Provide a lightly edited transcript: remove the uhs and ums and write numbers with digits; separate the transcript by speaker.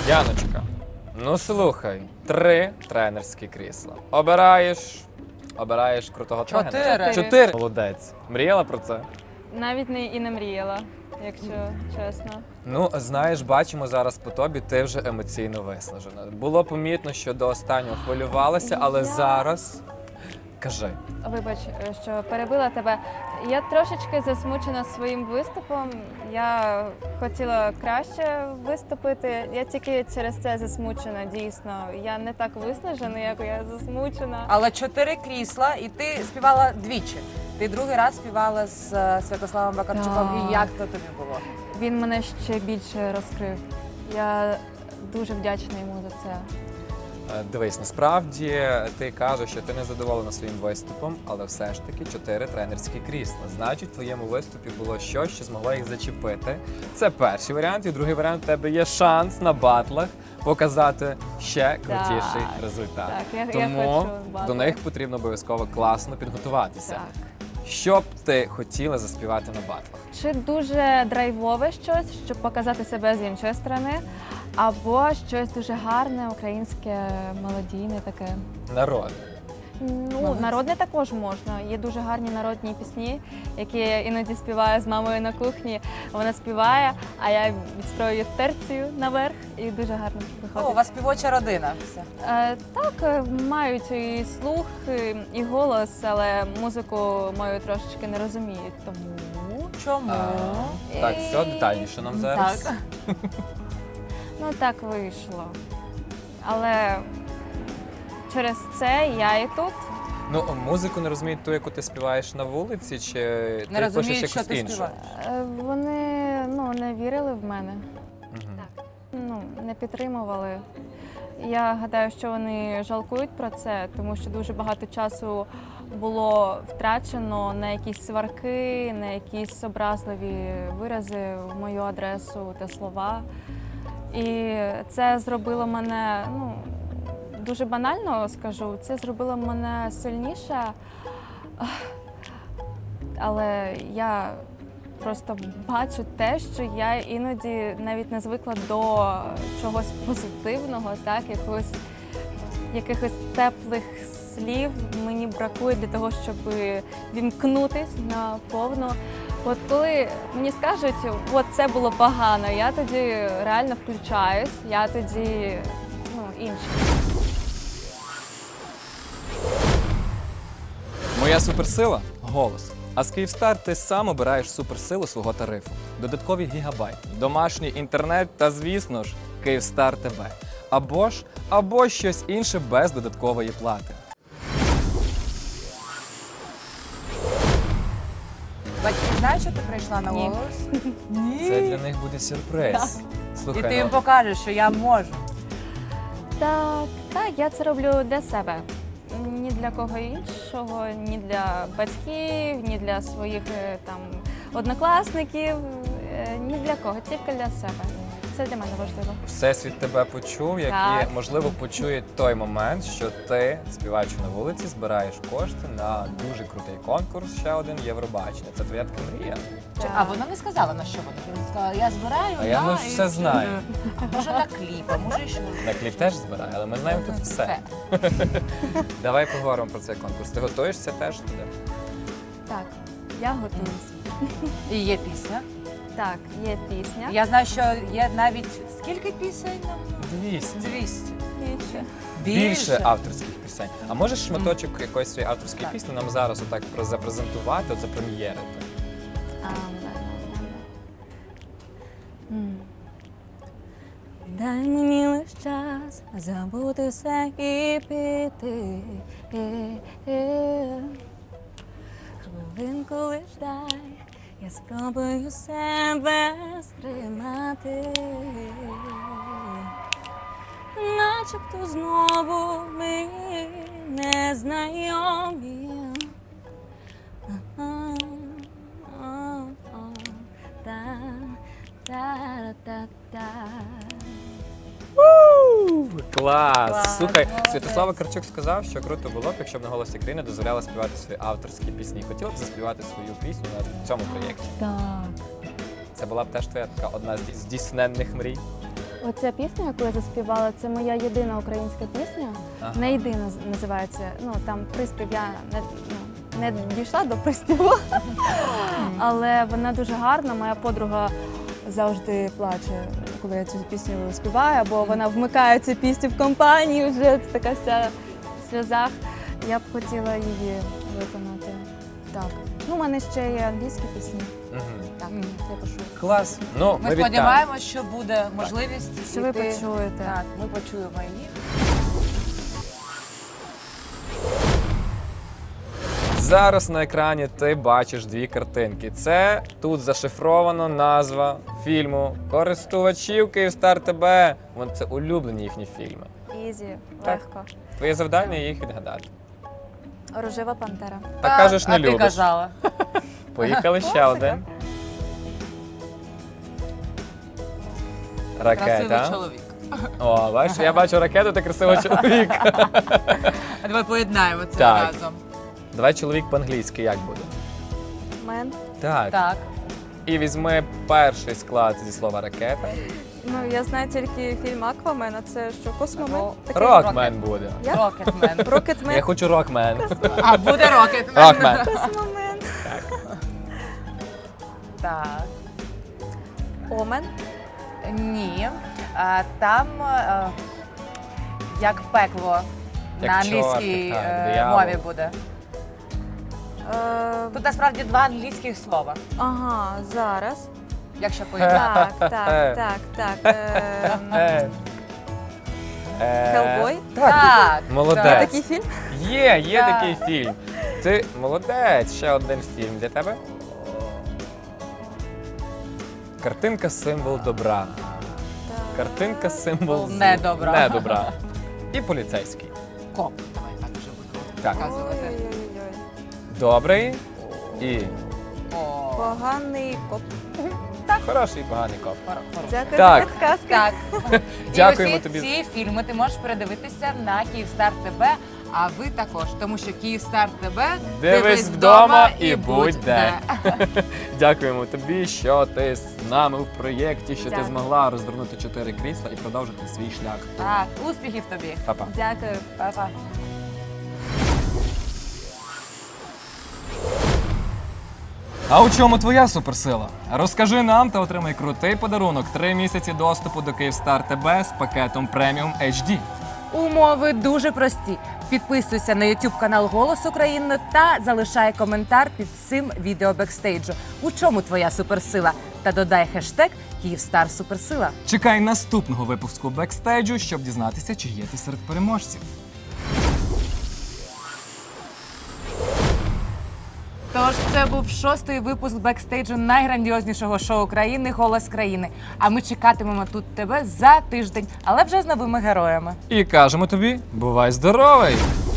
Speaker 1: Яночка, ну слухай, 3 тренерські крісла. Обираєш крутого тренера. 4. Молодець. Мріяла про це?
Speaker 2: Навіть не мріяла, якщо чесно.
Speaker 1: Ну, знаєш, бачимо зараз по тобі, ти вже емоційно виснажена. Було помітно, що до останнього хвилювалася, але зараз... Кажи.
Speaker 2: Вибач, що перебила тебе. Я трошечки засмучена своїм виступом. Я хотіла краще виступити. Я тільки через це засмучена, дійсно. Я не так виснажена, як я засмучена.
Speaker 3: Але 4 крісла, і ти співала двічі. Ти другий раз співала з Святославом Вакарчуком.
Speaker 2: Так.
Speaker 3: І як то тобі було?
Speaker 2: Він мене ще більше розкрив. Я дуже вдячна йому за це.
Speaker 1: Дивись, насправді ти кажеш, що ти не задоволена своїм виступом, але все ж таки 4 тренерські крісла. Значить, в твоєму виступі було щось, що змогло їх зачепити. Це перший варіант. І другий варіант, у тебе є шанс на батлах показати ще крутіший результат.
Speaker 2: Так, я
Speaker 1: Тому
Speaker 2: хочу
Speaker 1: до
Speaker 2: батли.
Speaker 1: них потрібно обов'язково класно підготуватися.
Speaker 2: Так.
Speaker 1: Що б ти хотіла заспівати на батлах?
Speaker 2: Чи дуже драйвове щось, щоб показати себе з іншої сторони, або щось дуже гарне, українське, мелодійне таке.
Speaker 1: Народ.
Speaker 2: Ну, народне також можна. Є дуже гарні народні пісні, які я іноді співаю з мамою на кухні. Вона співає, а я відстрою терцію наверх і дуже гарно виходить.
Speaker 3: О, у вас співоча родина. Все.
Speaker 2: Так, мають і слух, і голос, але музику мою трошечки не розуміють, тому...
Speaker 3: Чому?
Speaker 1: Так, все детальніше нам зараз.
Speaker 3: Так.
Speaker 2: Ну, так вийшло. Але через це я і тут.
Speaker 1: Ну, музику не розуміють ту, яку ти співаєш на вулиці, чи
Speaker 3: Не
Speaker 1: ти
Speaker 3: розуміють,
Speaker 1: пишеш
Speaker 3: що
Speaker 1: якусь
Speaker 3: ти
Speaker 1: іншу?
Speaker 3: співаєш.
Speaker 2: Вони не вірили в мене,
Speaker 1: Мгм.
Speaker 2: не підтримували. Я гадаю, що вони жалкують про це, тому що дуже багато часу було втрачено на якісь сварки, на якісь образливі вирази в мою адресу та слова. І це зробило мене, дуже банально скажу, це зробило мене сильніше. Але я просто бачу те, що я іноді навіть не звикла до чогось позитивного, так, якихось теплих слів мені бракує для того, щоб вімкнутись на повну. От коли мені скажуть, от це було погано, я тоді реально включаюсь, я тоді інша.
Speaker 1: Моя суперсила голос. А з Київстар ти сам обираєш суперсилу свого тарифу. Додаткові гігабайти, домашній інтернет та, звісно ж, Київстар ТВ. Або щось інше без додаткової плати.
Speaker 3: Батьки знають, що ти прийшла на
Speaker 2: Ні.
Speaker 3: голос? Ні.
Speaker 1: Це для них буде сюрприз.
Speaker 3: І
Speaker 1: Слухай,
Speaker 3: ти їм покажеш, що я можу.
Speaker 2: Так, я це роблю для себе. Ні для кого іншого, ні для батьків, ні для своїх однокласників, ні для кого, тільки для себе. Це для мене важливо.
Speaker 1: Всесвіт тебе почув, як
Speaker 2: Так.
Speaker 1: і, можливо, почує той момент, що ти, співаючи на вулиці, збираєш кошти на дуже крутий конкурс, ще один Євробачення. Це твоя така мрія.
Speaker 3: А вона не сказала, на що вона. Вона сказала, я збираю,
Speaker 1: А я,
Speaker 3: і
Speaker 1: все знаю.
Speaker 3: Може на кліп, а може і що.
Speaker 1: На кліп теж збираю, але ми знаємо тут все. Давай поговоримо про цей конкурс. Ти готуєшся теж туди?
Speaker 2: Так, я готуюсь.
Speaker 3: І є пісня.
Speaker 2: Так, є пісня.
Speaker 3: Я знаю, що є навіть скільки пісень?
Speaker 1: 200.
Speaker 3: 200.
Speaker 2: Більше.
Speaker 1: Більше авторських пісень. А можеш шматочок якоїсь своєї авторської пісні нам зараз отак запрезентувати, от запрем'єрити?
Speaker 2: Дай мені лиш час забути все і піти. Хвилинку лиш дай, я спробую себе стримати. Начебто знову ми незнайомі. Та-та-та-та.
Speaker 1: Клас!
Speaker 2: Клас,
Speaker 1: Слухай,
Speaker 2: молодець.
Speaker 1: Святослав Вакарчук сказав, що круто було б, якщо б на «Голосі країни» дозволяла співати свої авторські пісні. Хотіла б заспівати свою пісню на цьому проєкті?
Speaker 2: Так.
Speaker 1: Це була б теж твоя така одна з здійсненних мрій?
Speaker 2: Оця пісня, яку я заспівала, це моя єдина українська пісня.
Speaker 1: Ага.
Speaker 2: Не єдина називається. Ну там приспів я не дійшла до приспіву, але вона дуже гарна. Моя подруга завжди плаче, коли я цю пісню співаю, бо вона вмикає цю пісню в компанії, вже така вся в сльозах. Я б хотіла її виконати. Так. Ну, у мене ще є англійські пісні.
Speaker 1: Мгм.
Speaker 2: Так, я пишу.
Speaker 1: Клас. Ну,
Speaker 3: Ми
Speaker 1: ми вітаємо.
Speaker 3: сподіваємося, що буде можливість.
Speaker 2: Що ви
Speaker 3: піти.
Speaker 2: почуєте?
Speaker 3: Так, ми почуємо їх.
Speaker 1: Зараз на екрані ти бачиш дві картинки. Це тут зашифрована назва фільму користувачів Київстар ТБ. Це улюблені їхні фільми.
Speaker 2: Ізі,
Speaker 1: Так.
Speaker 2: легко.
Speaker 1: Твоє завдання їх відгадати.
Speaker 2: Рожева пантера.
Speaker 1: Так кажеш, не
Speaker 3: а ти
Speaker 1: любиш.
Speaker 3: казала.
Speaker 1: Поїхали ще
Speaker 2: Класика.
Speaker 1: один.
Speaker 3: Красивий
Speaker 1: Ракета.
Speaker 3: чоловік.
Speaker 1: О, бачиш, я бачу ракету та красивого чоловіка.
Speaker 3: А давай поєднаємо це
Speaker 1: Так.
Speaker 3: разом.
Speaker 1: Давай чоловік по-англійськи як буде?
Speaker 2: Мен.
Speaker 1: Так.
Speaker 3: Так.
Speaker 1: І візьми перший склад зі слова ракета.
Speaker 2: Ну, я знаю тільки фільм Аквамен, а це що, Космомен? Такий?
Speaker 1: Рокмен буде.
Speaker 2: Як?
Speaker 3: Рокетмен.
Speaker 2: Рокетмен.
Speaker 1: Я хочу рокмен.
Speaker 3: А буде Рокетмен.
Speaker 1: Рокмен.
Speaker 2: Космомен.
Speaker 3: Так.
Speaker 2: Омен.
Speaker 3: Ні. Там як пекло
Speaker 1: Як
Speaker 3: на англійській
Speaker 1: чортик, так, диявол.
Speaker 3: мові буде. Тут насправді два англійських слова,
Speaker 2: Ага, зараз.
Speaker 3: якщо поєднати.
Speaker 2: Так. Хеллбой?
Speaker 3: Так.
Speaker 1: Молодець.
Speaker 3: так.
Speaker 2: Такий фільм?
Speaker 1: Є
Speaker 3: Так.
Speaker 1: такий фільм. Ти молодець. Ще один фільм для тебе. Картинка символ добра. Картинка символ зла.
Speaker 3: Недобра.
Speaker 1: Недобра. І поліцейський.
Speaker 3: Коп. Давай так вже буду
Speaker 1: Так.
Speaker 3: показувати.
Speaker 2: Ой-ой-ой.
Speaker 1: Добрий і
Speaker 3: О,
Speaker 2: Поганий коп.
Speaker 1: хороший, і поганий коп.
Speaker 2: Дякую
Speaker 1: Так.
Speaker 2: за підказки.
Speaker 3: Так.
Speaker 1: Дякуємо
Speaker 3: І усі
Speaker 1: тобі.
Speaker 3: ці фільми ти можеш передивитися на Київстар ТБ, а ви також, тому що Київстар ТБ
Speaker 1: Дивись вдома і будь де. Дякуємо тобі, що ти з нами в проєкті, що ти
Speaker 2: Дякую.
Speaker 1: змогла розвернути 4 крісла і продовжити свій шлях.
Speaker 3: Так, успіхів тобі.
Speaker 1: Па-па.
Speaker 2: Дякую.
Speaker 3: Па-па.
Speaker 1: А у чому твоя суперсила? Розкажи нам та отримай крутий подарунок. 3 місяці доступу до Київстар ТБ з пакетом преміум HD.
Speaker 3: Умови дуже прості. Підписуйся на YouTube канал Голос України та залишай коментар під цим відео бекстейджу. У чому твоя суперсила? Та додай хештег Київстар Суперсила.
Speaker 1: Чекай наступного випуску бекстейджу, щоб дізнатися, чи є ти серед переможців.
Speaker 3: Тож це був 6-й випуск бекстейджу найграндіознішого шоу країни Голос країни. А ми чекатимемо тут тебе за тиждень, але вже з новими героями.
Speaker 1: І кажемо тобі, бувай здоровий!